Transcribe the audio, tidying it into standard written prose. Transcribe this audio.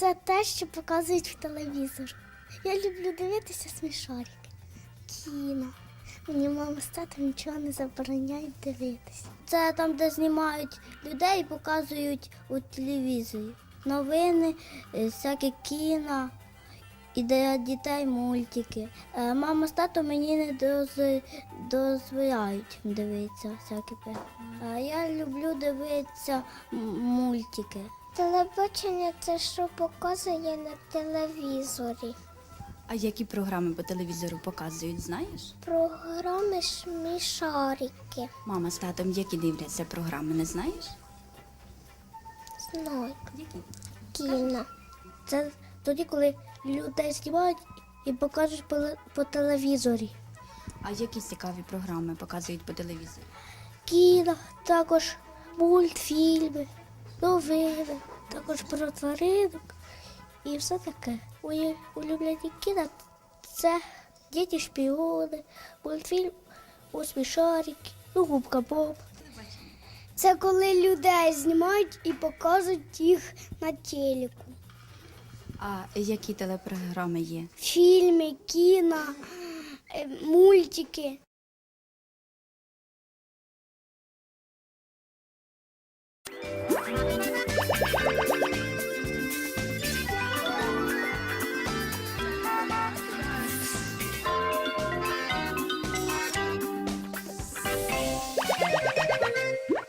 Це те, що показують в телевізорі. Я люблю дивитися смішарики, кіно. Мені мама з татом нічого не забороняють дивитися. Це там, де знімають людей і показують у телевізорі. Новини, всяке кіно і для дітей мультики. Мама з татом мені не дозволяють дивитися всякі програми. А я люблю дивитися мультики. Телебачення – це що показує на телевізорі. А які програми по телевізору показують, знаєш? Програми смішарики. Мама з татом які дивляться програми, не знаєш? Знаю. Які? Кіно. Це тоді, коли людей знімають і покажуть по телевізорі. А які цікаві програми показують по телевізору? Кіно, також мультфільми, новини, також про тваринок і все таке. Мої улюблені кіно – це «Діти шпіони», мультфільм «У смішарики», «Губка Боб». Це коли людей знімають і показують їх на телеку. А які телепрограми є? Фільми, кіно, мультики.